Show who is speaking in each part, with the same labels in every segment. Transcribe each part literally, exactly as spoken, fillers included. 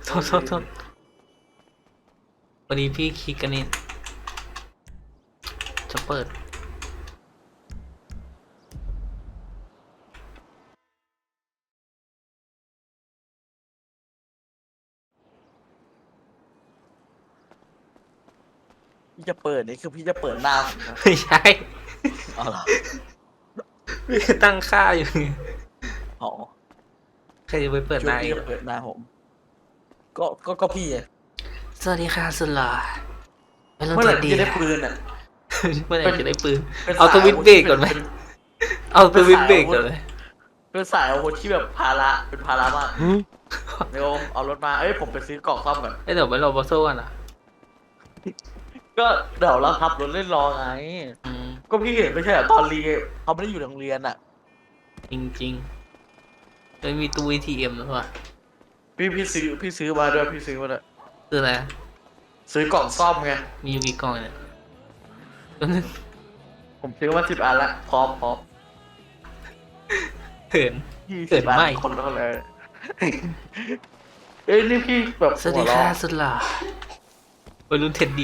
Speaker 1: โทษโทษโทษวันนี้พี่คลิกกันนี่จะเปิด
Speaker 2: พี่จะเปิดนี่คือพี่จะเปิดหน้าผมนะ
Speaker 1: ไม่ใช่
Speaker 2: อ๋อเหรอ
Speaker 1: พี่ตั้งค่าอยู่ไง
Speaker 2: อ๋อ
Speaker 1: ใครจะไปเปิด
Speaker 2: ช่
Speaker 1: ห
Speaker 2: วย
Speaker 1: น้า
Speaker 2: พี่
Speaker 1: อีก
Speaker 2: จะเปิดหน้าผม ก็ก็ก็พี่ไง
Speaker 1: สวัสดีค่ะสุดหล่อไม่ต้อง
Speaker 2: เมื่อไหร่
Speaker 1: ดี
Speaker 2: พี่จะได้ปืนอ่ะ
Speaker 1: เมื่อไหร่จะได้ปืน
Speaker 2: ป็น
Speaker 1: เอาสวิตช์เบรกก่อนไหม
Speaker 2: เป็น
Speaker 1: เอาสวิตช์เบรกก่อนเลย
Speaker 2: เป็นสายอาวุธที่แบบภาระเป็นภาระมากเดี๋ยวเอารถมาเอ้ยผมไปซื้อกล่องซ่อมก่อน
Speaker 1: เอ้ยเดี๋ยวไปรอบอสโซ่กันอ่ะ
Speaker 2: ก็เดี๋ยวเราขับรถเล่นรอไง
Speaker 1: อืม
Speaker 2: ก็พี่เห็นไม่ใช่เหรอตอนเรียนเขาไม่ได้อยู่ในโรงเรียนอ่ะ
Speaker 1: จริงจริงๆเลยมีตู้ เอ ที เอ็ม แล้วว่ะ
Speaker 2: พี่พี่ซื้อพี่ซื้อมาด้วยพี่ซื้อมาด้วย
Speaker 1: คืออะไร
Speaker 2: ซื้อกล่องซ่อมไง
Speaker 1: มีอยู่กี่กล่องเนี่ยตัวนึง
Speaker 2: ผมซื้อมาสิบอันละพร้อมพร้อม
Speaker 1: เขิน
Speaker 2: ยี่
Speaker 1: เกิ
Speaker 2: สิ
Speaker 1: ด
Speaker 2: บอัน
Speaker 1: ไม่
Speaker 2: คนละเลยเอ้ยนี่พี่แบบ
Speaker 1: สวัสดี
Speaker 2: หัวเรา
Speaker 1: ค่ะสุดหล่อวัยรุ่นเท็ดดี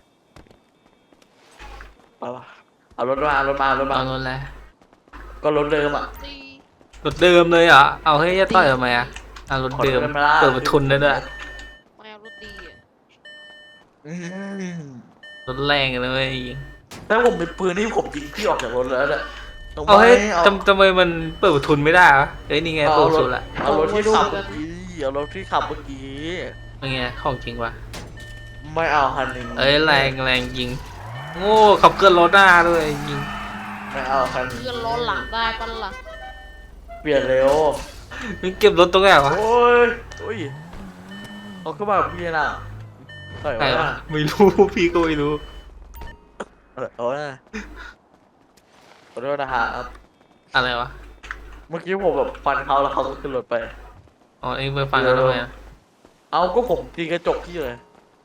Speaker 2: เอาวะเอารถมาเอารถมาเอารถมา
Speaker 1: เอารถแล้ว
Speaker 2: ก็รถเดิมอ่ะ
Speaker 3: ตี
Speaker 1: รถเดิมเลยเหรอเอาให้ยจะต่อยทำไมอ่ะเอารถเดิม
Speaker 2: ขอรถมาล่ะ
Speaker 1: เปิดประทุนได้ด้วย
Speaker 3: ไม่เอารถดีอ่ะ
Speaker 2: อืม
Speaker 1: รถแรงเลยเว้ย
Speaker 2: ถ้าผมเป็นปืนนี่ผมยิงพี่ออกจากรถแล้วเนี่ยตรง
Speaker 1: เอาให้
Speaker 2: เอา
Speaker 1: ทำทำไมมันเปิดประทุนไม่ได้วะเฮ้ยนี่ไง
Speaker 2: เอา
Speaker 1: เปิดประ
Speaker 2: ร
Speaker 1: ทุ
Speaker 2: ถ
Speaker 1: นละ
Speaker 2: เอารถที่ขับเมื่อกี้เอารถที่ขับเมื่อกี้
Speaker 1: เป็นไงของจริงวะ
Speaker 2: ไม่เอาคันหนึ่ง
Speaker 1: เอ้ยแรงแรงจริงโง่ขับเกินรถหน้าด้วยจริง
Speaker 2: ไม่เอาคันหนึ่ง
Speaker 3: เพื่อนล้อหลังได้ปะล่ะ
Speaker 2: เปลี่ยนเร็ว
Speaker 1: มึงเก็บรถตรงไหนวะ
Speaker 2: โอ้ยโอ้ยเขาขึ้นมาแบบพี่น่ะใส่
Speaker 1: ใคร
Speaker 2: ไว้
Speaker 1: วะ
Speaker 2: น่ะ
Speaker 1: ไม่รู้ พี่ก็ไม่รู้
Speaker 2: โอ้ยขอโทษนะฮะ
Speaker 1: อะไรวะ
Speaker 2: เมื่อกี้ผมแบบฟันเขาแล้วเขาก็ขึ้นรถไป
Speaker 1: อ๋อเอ็งไปฟังกันทำไมอะ
Speaker 2: เอาก็ผมตีกระจกพี่เลย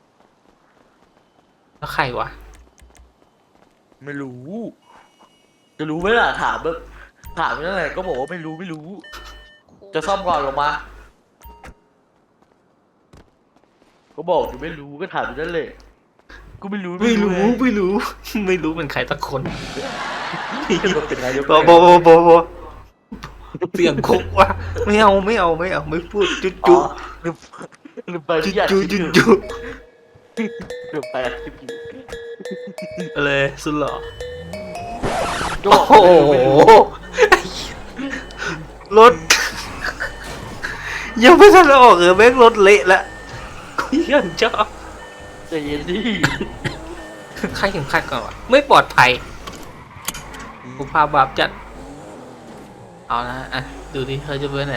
Speaker 1: แล้วใครวะ
Speaker 2: ไม่รู้ จะรู้ไหมล่ะถามแบบถามนั่นแหละก็บอกว่าไม่รู้ไม่รู้ จะซ่อมก่อนลงมา ก็บอกอยู่ไม่รู้ก็ถามอยู่นั่นแหละก็ไม่รู้
Speaker 1: ไม่รู้
Speaker 2: ไง
Speaker 1: ไม่รู้ ไม่รู้เป็นใครสักคน
Speaker 2: มันเป็นนายก
Speaker 1: บอบอบอบอบอเสียงคุกวะไม่เอาไม่เอาไม่เอาไม่พูดจุ๊
Speaker 2: อ๋อ
Speaker 1: จุ๊
Speaker 2: ลืมลืมไป
Speaker 1: จุ๊
Speaker 2: ที่อยาก
Speaker 1: จุ๊
Speaker 2: คิด
Speaker 1: จุ๊
Speaker 2: อยู่
Speaker 1: จุ๊
Speaker 2: ลืมไปอัดคลิปอยู่
Speaker 1: อะไรสุดหล่อ
Speaker 2: ก็
Speaker 1: โอ้
Speaker 2: บอก
Speaker 1: โห
Speaker 2: ไม่รู้
Speaker 1: รถ ยังไม่ทันออกเลยแม่งรถเละละกูยังชอบ
Speaker 2: ใจเย็นดิ
Speaker 1: ใครเข็มขัดก่อนวะไม่ปลอดภัยกูพาบาปจัดเอานะอ่ะดูดิเขาจะเป็นไหน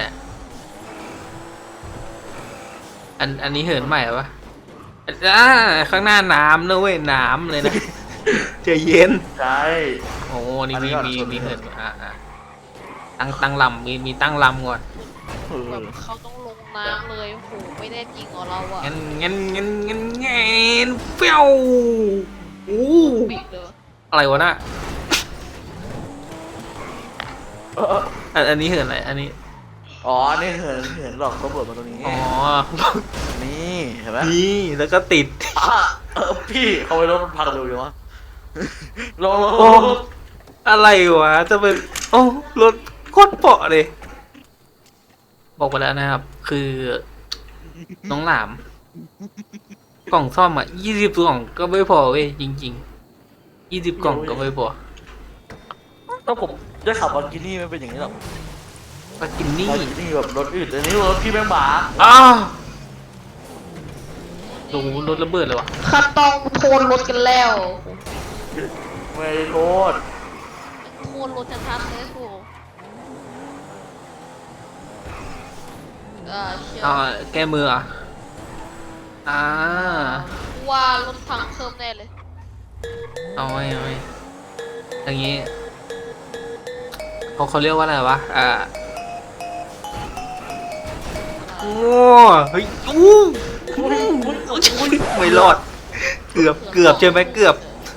Speaker 1: อันอันนี้เหินใหม่ปะอ่าข้างหน้าน้ำนะเว้ยน้ำเลยนะ ใจเย็น
Speaker 2: ใช่
Speaker 1: โอ้นี่
Speaker 2: อันนี้
Speaker 1: มี
Speaker 2: ก่อน
Speaker 1: มี
Speaker 2: ส่วน
Speaker 1: มีเหินอ่ะอ่ะตั้งตั้งลำมีมีตั้งลำก่อน
Speaker 2: เอ
Speaker 3: แบ
Speaker 2: อบ
Speaker 3: เขาต้องลงน้ำเลยโอ้โหไม่ได้จริงเหรอเราอ่ะ
Speaker 1: งั้นงั้นงั้นงั้นงั้นเปี้ยวโอ้
Speaker 3: ปิดเลย
Speaker 1: อะไรวะน่ะ
Speaker 2: เออ
Speaker 1: อันอันนี้เหินอะไรอันนี้
Speaker 2: อ๋อนี่เห็นเห็นหลอกตำรวจมาตรงนี้
Speaker 1: อ๋อ
Speaker 2: นี่เห็นไหม
Speaker 1: นี่แล้วก็ติด
Speaker 2: อ่ะเออพี่เขาไปรถมันพังเร็วอยู่วะลงลงล
Speaker 1: โอ้
Speaker 2: งลง
Speaker 1: อะไรวะจะเป็นโอ้รถโคตรเปาะเลย บอกไปแล้วนะครับ คือน้องหลาม กล่องซ่อมอ่ะยี่สิบกล่องก็ไม่พอเว้ยจริงๆยี่สิบกล่องก็ไม่พอ
Speaker 2: ถ้าผมได้ขับวันกินี่ไม่เป็นอย่างนี้หรอก
Speaker 1: มากินนี่
Speaker 2: วันกินี่แบบรถอื่นแต่นี่รถพี่แม่งบ้า
Speaker 1: อ้าวโอ้โหรถระเบิดเลยวะ
Speaker 3: ข้าต้องโทนรถกันแล้ว
Speaker 2: ไม่ได้โทษ
Speaker 3: โทนรถชัดๆเลยโอ้โหอ่าเชียว
Speaker 1: เอาแก้มือเหรอ่ะอ่า
Speaker 3: ว่ารถพังเพิ่มแน่เลย
Speaker 1: เอาไว้เอาไว้อย่างงี้เขาเขาเรียกว่าอะไรวะอ่าโอ้เฮ้ยอู้ไม่รอด เกือบเกือบใช่ไหมเกือบ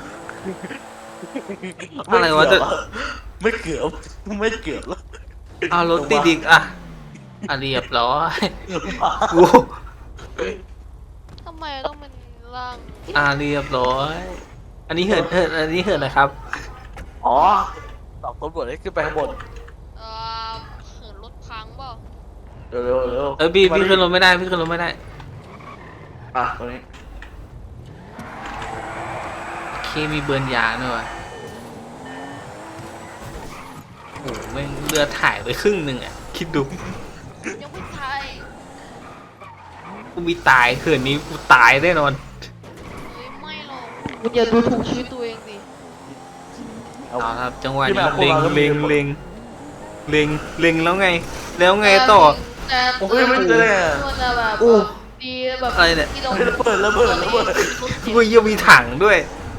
Speaker 1: อะไรวะจะ
Speaker 2: ไม่เกือบไม่เกือบแล้ว
Speaker 1: เอารถติดอีกอ่ะอ่ะเรียบร้อยกู
Speaker 3: ทำไมต้องเป็นร่าง
Speaker 1: อ่าเรียบร้อย อันนี้เหินเหินอันนี้เหินนะครับ
Speaker 2: อ๋อสองตำรวจให้ขึ้นไปข้างบน
Speaker 3: เอ่อเหินรถพังเปล่า
Speaker 2: เร็วเร็วเร็ว
Speaker 1: เออพี่พี่ขึ้นรถไม่ได้พี่ขึ้นรถไม่ได้
Speaker 2: อ่ะตรงนี้
Speaker 1: โอเคมีเบิร์นยางด้วยว่ะโอ้โหแม่งเรือถ่ายไปครึ่งหนึ่งอ่ะ คิดดู
Speaker 3: ยังไม่ตาย
Speaker 1: กูมีตายเขื่อนนี้กูตายแน่นอน
Speaker 3: เฮ้ยไม่หรอกคุณอย่าดูถูกชีวิตตัวเองดิ
Speaker 2: เอา
Speaker 1: เอาครับจังหวะ
Speaker 2: ที่
Speaker 1: นี้
Speaker 2: แบบพวก
Speaker 1: เล็ง
Speaker 2: เราก็มี
Speaker 1: เล็งเล็งเล็งเล็งแล้วไง แล้วไงต่อ
Speaker 3: แต่
Speaker 2: โอ้ยไม่เจอเลยอะ
Speaker 3: มันจะแบบ
Speaker 1: อู้
Speaker 3: ดีแบบ
Speaker 1: อะไรเนี่ย
Speaker 3: ที่เรา
Speaker 2: เฮ้ยระเบิดระเบิดระเบิด
Speaker 1: กูยังมีถังด้วย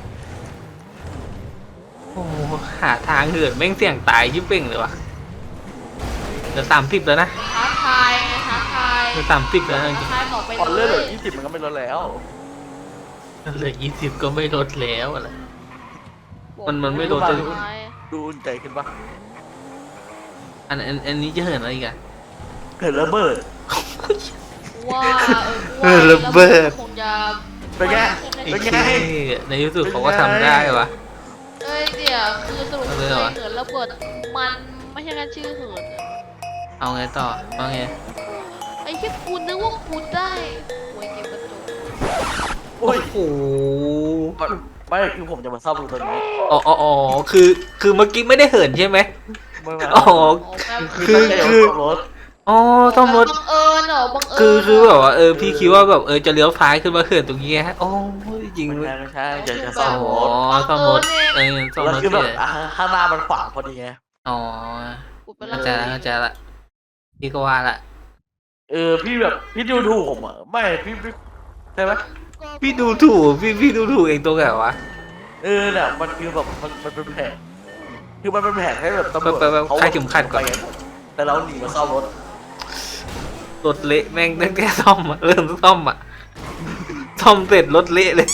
Speaker 1: โอ้โหหาทางเหินแม่งเสี่ยงตายยิ่งเป่งเลยวะเหลือสามสิบแล้วนะ
Speaker 3: ท้าทายไงท้าทาย
Speaker 1: เหลือสามสิบแล้วนะจ
Speaker 3: ท้า
Speaker 1: ริง
Speaker 3: ทายต่อไป
Speaker 2: พอ
Speaker 3: เล
Speaker 2: เลือดเหลื
Speaker 3: ย
Speaker 2: อยี่สิบมันก็ไม่ลดแล้ว
Speaker 1: ๆเหลือยี่สิบก็ไม่ลดแล้วอะไร มันมันไม่โดน
Speaker 3: ท้า
Speaker 1: จะ
Speaker 3: ทาย
Speaker 2: ดูอุ่นใจขึ้นปะ
Speaker 1: อันอันอันนี้จะเหินอะไรอีกอะ
Speaker 2: เห็นระเบิด
Speaker 3: ว่า
Speaker 1: เออระเบิด
Speaker 3: คงจะ
Speaker 2: เป็นไง
Speaker 1: ไอ้
Speaker 2: เป็น
Speaker 1: เท่
Speaker 2: ไง
Speaker 1: ในที่สุดเขาก็ทำได้วะ
Speaker 3: เอ้ยเดี๋ยวคือสรุป
Speaker 1: เอา
Speaker 3: เล
Speaker 1: เลย ยเหรอ
Speaker 3: เหินระเบิดมันไม่ใช่แค่ชื่อเหินอะ
Speaker 1: เอาไงต่อว่าไง
Speaker 3: ไอ้แค่คุณนึกว่าคุณได้หวยเก็บกระจก
Speaker 2: โอ้ย
Speaker 1: โอ้โห
Speaker 2: ไม่คือผมจะมาซ่อมตรงนี้
Speaker 1: อ๋ออ๋ออ๋อคือ คือเมื่อกี้ไม่ได้เหินใช่ไหม
Speaker 2: ไม่มา
Speaker 1: อ๋อ
Speaker 3: โอ้แม่ง
Speaker 1: คือ
Speaker 2: ตั้งใจ
Speaker 1: คือ
Speaker 2: ซ่อมรถ
Speaker 1: อ๋อซ่อมรถ
Speaker 3: บังเอิญเหรอบังเอิญ
Speaker 1: คือคือ
Speaker 3: เหร
Speaker 1: แบบว่าเออพี่คิดว่าแบบเออจะเลี้ยวซ้ายขึ้นมาเขื่อนตรงนี้ฮะโอ้ยจริง
Speaker 2: ไม่
Speaker 1: เว้ย
Speaker 2: ใช่ไม่ใช่อยากจะซ่อม
Speaker 1: อ๋อ
Speaker 2: รถ
Speaker 1: ซ่อมรถเออซ่อม
Speaker 2: แล้ว
Speaker 1: รถ
Speaker 2: คือแบบ
Speaker 1: เฉย
Speaker 2: อ่ะข้างหน้ามันขวางพอดีไง
Speaker 1: อ๋อ
Speaker 3: พูดไป
Speaker 1: เข้า
Speaker 3: เล
Speaker 1: ใจ
Speaker 3: ย
Speaker 1: ละเข้าใจละพี่ก็ว่าละ
Speaker 2: เออพี่แบบพี่ดูถูกผมอ่ะไม่พี่พี่ใช่ไหม
Speaker 1: พี่ดูถูกพี่พี่ดูถูกเองตัวไงวะ
Speaker 2: เออเนี่ยมันคือแบบมันมันเป็นแผนคือมันเป็นแผนให้แบบตำรวจ
Speaker 1: ไปไปไป
Speaker 2: เขา
Speaker 1: คลายเข็มขัดก่อน
Speaker 2: ไปแต่เราหนีมาซ่อมรถ
Speaker 1: รถเละแม่งตั้งแต่ซ่อมอะเริ่มซ่อมอะซ่อมเสร็จรถเละเลย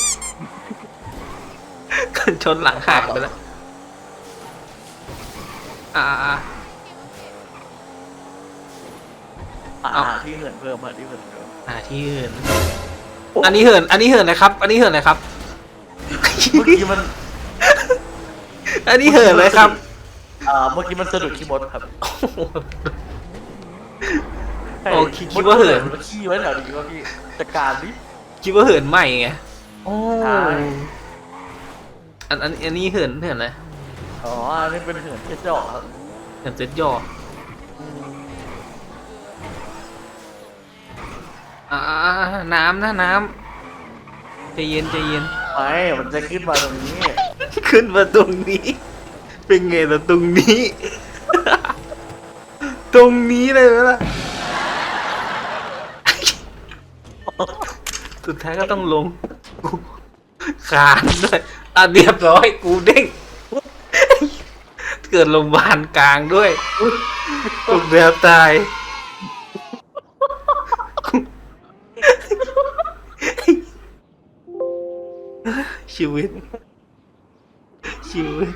Speaker 1: กันชนหลังหักไปแล้วอ่าอ่า
Speaker 2: อ่า
Speaker 1: เอา
Speaker 2: ที่เหินเพิ่มอ่ะที่เหินเพิ่ม
Speaker 1: อ่าที่เหินอันนี้เหิน อันนี้เหินนะครับ อันนี้เหินนะครับ
Speaker 2: เมื่อกี้มัน
Speaker 1: อันนี้เหินเลยครับ
Speaker 2: อ่าเมื่อกี้มันสะดุดขี้มดครับ
Speaker 1: โอ้คิดคิดว่าเหิน
Speaker 2: มันขี้ไว้แถวนี้ว่าพี่จัดการดิ
Speaker 1: คิดว่าเหินใหม่ไงโอ้
Speaker 2: ใช่
Speaker 1: อันอันอันนี้เหินเหินอะไร
Speaker 2: อ๋ออันนี้เป็นเหินเจ็ดดอกครับ
Speaker 1: เหินเซ็ตย่ออ่าอ่าอ่าน้ำนะน้ำใจเย็นใจเย็น
Speaker 2: ไม่มันจะขึ้นมาตรงนี้
Speaker 1: ขึ้นมาตรงนี้ เป็นไงล่ะตรงนี้ ตรงนี้เลยไหมล่ะ สุดท้ายก็ต้องลงกูคานด้วยอ่ะเรียบร้อยกูเด้ง เกิดโรงพยาบาลกลางด้วยตกแบบตาย ชีวิต ชีวิต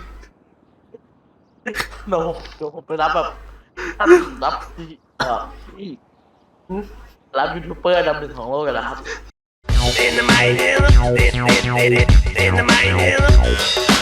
Speaker 2: เดี๋ยวผมเดี๋ยวผมไปรับแบบรับเอ่อรับยูทูบเบอร์อันดับหนึ่งของโลกกันแล้วครับ
Speaker 4: In the mighty, in the mighty, in the mighty.